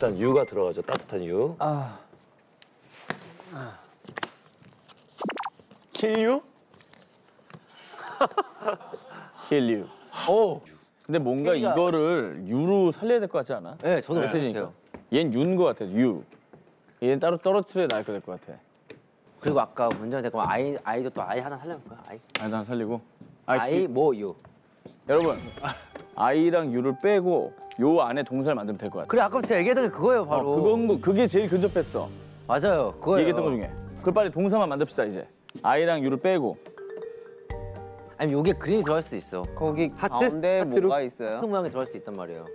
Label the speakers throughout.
Speaker 1: 일단 유가 들어가죠. 따뜻한 유.
Speaker 2: 킬유?
Speaker 1: 힐유.
Speaker 3: 오. 근데 뭔가 이거를 유로 살려야 될 것 같지 않아?
Speaker 4: 네, 저도
Speaker 3: 메시지니까. 얜 유인 것 같아. 유. 얘는 따로 떨어뜨려야 나을 것 같아.
Speaker 4: 그리고 아까 문제가 됐고 아이도 또 아이 하나 살려볼까요? 아이도
Speaker 3: 하나 살리고.
Speaker 4: 뭐 유.
Speaker 3: 여러분, 아이랑 유를 빼고 요 안에 동사를 만들면 될 것 같아.
Speaker 4: 그래 아까 제가 얘기했던 게 그거예요 바로.
Speaker 3: 그게 제일 근접했어.
Speaker 4: 맞아요. 그거예요.
Speaker 3: 얘기했던 것 중에. 그걸 빨리 동사만 만듭시다 이제. 아이랑 유를 빼고.
Speaker 4: 아니 요게 그림이 들어갈 수 있어.
Speaker 5: 거기
Speaker 4: 하트?
Speaker 5: 가운데
Speaker 4: 하트로?
Speaker 5: 뭐가 있어요?
Speaker 4: 하트 모양이 들어갈 수 있단 말이에요.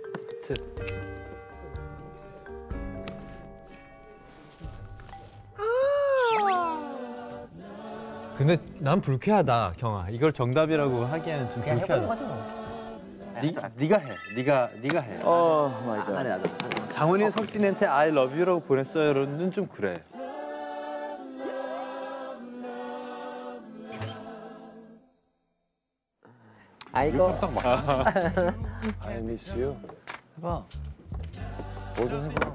Speaker 6: 근데 난 불쾌하다, 경아. 이걸 정답이라고 하기에는 좀 불쾌하다. 네가 해. 네가 해.
Speaker 3: 마이 갓.
Speaker 4: 나도.
Speaker 6: 장훈이 석진한테 I love you라고 보냈어요는 좀 그래.
Speaker 4: 아이고.
Speaker 1: I miss you.
Speaker 3: 해봐.
Speaker 1: 뭐 좀 해봐.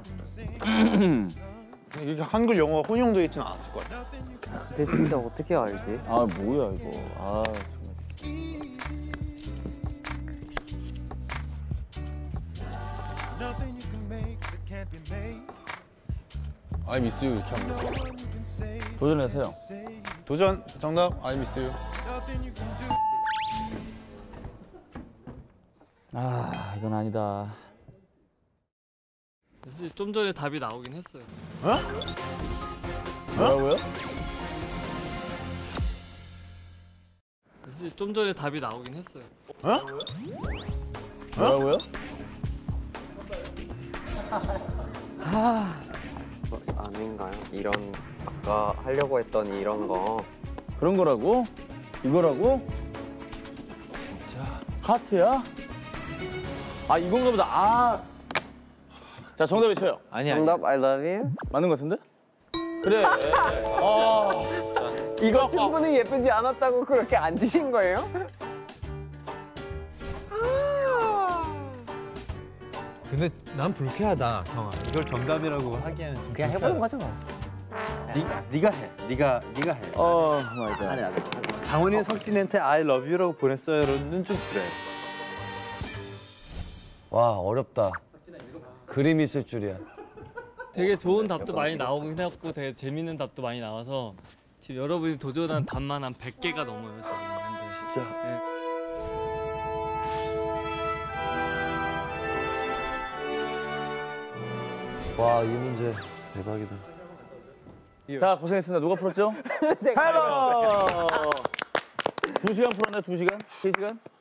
Speaker 2: 이게 한글 영어가 혼용되어 있지는 않았을 것 같아.
Speaker 5: 근데 진짜 어떻게 알지?
Speaker 3: 아 뭐야 이거. 아
Speaker 2: I miss you 이렇게 하면 돼.
Speaker 3: 정말. 도전하세요.
Speaker 2: 도전 정답 I miss you.
Speaker 3: 아 이건 아니다.
Speaker 7: 사실 좀 전에 답이 나오긴 했어요.
Speaker 3: 뭐라고요?
Speaker 7: 사실 좀 전에 답이 나오긴 했어요.
Speaker 3: 뭐라고요?
Speaker 5: 아닌가요? 이런 아까 하려고 했던 이런 거.
Speaker 3: 그런 거라고? 이거라고?
Speaker 1: 진짜.
Speaker 3: 하트야? 아 이건가 보다. 아. 자 정답 외쳐요.
Speaker 5: 정답 I love you?
Speaker 3: 맞는 것 같은데? 그래.
Speaker 5: 이거 충분히 예쁘지 않았다고 그렇게 앉으신 거예요?
Speaker 6: 근데 난 불쾌하다, 경아. 이걸 정답이라고 하기에는 좀
Speaker 4: 그냥
Speaker 6: 불쾌하다.
Speaker 4: 해보는 거죠 뭐.
Speaker 6: 네가 해. 네가 해.
Speaker 3: 마이 갓.
Speaker 4: 나도.
Speaker 6: 장훈이 석진한테 I love you라고 보냈어요는 좀 그래.
Speaker 1: 와 어렵다. 그림이 있을 줄이야.
Speaker 7: 되게 좋은 답도 많이 나오긴 했고 되게 재밌는 답도 많이 나와서 지금 여러분이 도전한 답만 한 100개가 넘어요. 지금. 근데
Speaker 1: 진짜.
Speaker 7: 네.
Speaker 1: 와 이 문제 대박이다.
Speaker 3: 자 고생했습니다. 누가 풀었죠?
Speaker 5: 제가
Speaker 3: 헬로. 2시간 풀었네. 2시간? 3시간?